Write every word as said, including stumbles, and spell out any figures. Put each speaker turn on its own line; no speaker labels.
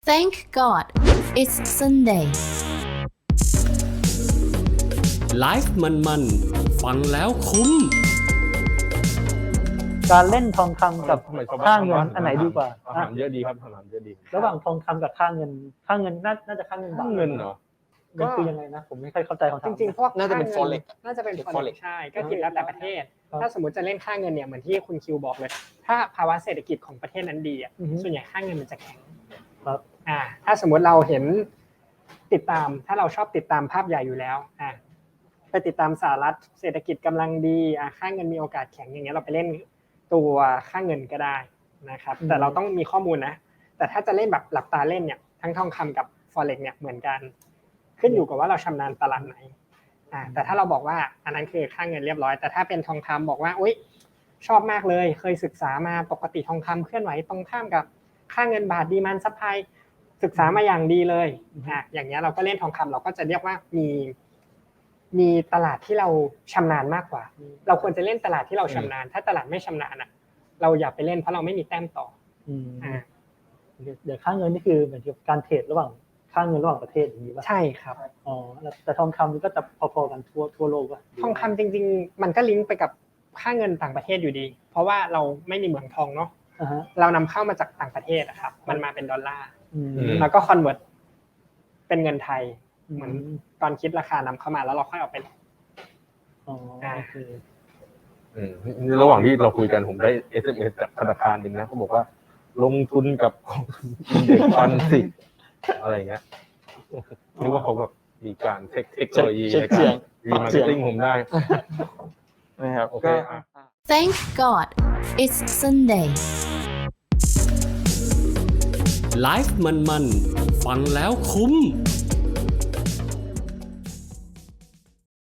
Thank God it's Sunday
ไลฟ์มันๆฟังแล้วคุ้ม
การเล่นทองคำกับค่าเงินอันไหนดีกว่า
คำถามเยอะดีครับคำถามเยอะดี
ระหว่างทองคำกับค่าเงินค่าเงินน่าน่าจะค่าเงินบา
ค่า
ท
เงินเหรอ
มันคือยังไงนะผมไม่ค่อยเข้าใจของ
จริงๆพวก
น่าจะเป็น
ค่งิ
forex
น่าจะเป็น
เป็น
forex
forex
ใช่ก็คือแล้วแต่ประเทศ
ครับ
ถ้าสมมติจะเล่นค่าเงินเนี่ยเหมือนที่คุณคิวบอกเลย ถ้าภาวะเศรษฐกิจของประเทศนั้นดีอ่ะ
อือฮึ
ส่วนใหญ่ค่าเงินมันจะแข็ง
ครับ
อ่าถ้าสมมติเราเห็นติดตามถ้าเราชอบติดตามภาพใหญ่อยู่แล้วอ่าไปติดตามสหรัฐเศรษฐกิจกำลังดีอ่าค่าเงินมีโอกาสแข็งอย่างเงี้ยเราไปเล่นตัวค่าเงินก็ได้นะครับแต่เราต้องมีข้อมูลนะแต่ถ้าจะเล่นแบบหลับตาเล่นเนี่ยทั้งทองคำกับ forex เนี่ยเหมือนกัน ขึ้นอยู่กับว่าเราชำนาญตลาดไหนอ่าแต่ถ้าเราบอกว่าอันนั้นคือค่าเงินเรียบร้อยแต่ถ้าเป็นทองคำบอกว่าอุ๊ยชอบมากเลยเคยศึกษามาปกติทองคำเคลื่อนไหวตรงข้ามกับค่าเงินบาทดีมานด์ซัพพลายศึกษามาอย่างดีเลยอ่ะอย่างเงี้ยเราก็เล่นทองคำเราก็จะเรียกว่ามีมีตลาดที่เราชำนาญมากกว่า เราควรจะเล่นตลาดที่เราชำนาญ ถ้าตลาดไม่ชำนาญอ่ะเราอย่าไปเล่นเพราะเราไม่มีแต้มต่อ
อืม
อ่า
เดี๋ยวค่าเงินนี่คือเหมือนกับการเทรดระหว่างค่าเงินระหว่างประเทศอย่างนี้ป่ะ
ใช่ครับ
อ๋อแล้วแต่ทองคำมันก็จะพอๆกันทั่วทั่วโลกป่ะ
ทองคำจริงๆ มันก็ลิงก์ไปกับค่าเงินต่างประเทศอยู่ดี เพราะว่าเราไม่มีเหมืองทองเนาะ
อ่าฮะ
เรานำเข้ามาจากต่างประเทศอะครับ มันมาเป็นดอลลาร์
อืม
อืม
แล้วก็คอนเวิร์ตเป็นเงินไทย เหมือน
อืม
ตอนคิดราคานำเข้ามาแล้วเราค่อยเอาไป
อ๋อโอเค
อืมระหว่างที่เราคุยกันผมได้ เอส เอ็ม เอส จากธนาคารหนึ่งนะเขาบอกว่า ลงทุนกับกองทุนเด็กฟันสิอะไรเงี้ยนึกว่าเขาแบบมีการเทคเทคโนโลยี
เช็
ใน
คเสี
กาย รง รีมาร์
เสี
เก็
ยง
ตติ้งผมได้
นะครับ
โอเค
ก็
อ่ะ
Thank God it's Sunday
ไลฟ์มันๆฟังแล้วคุ้ม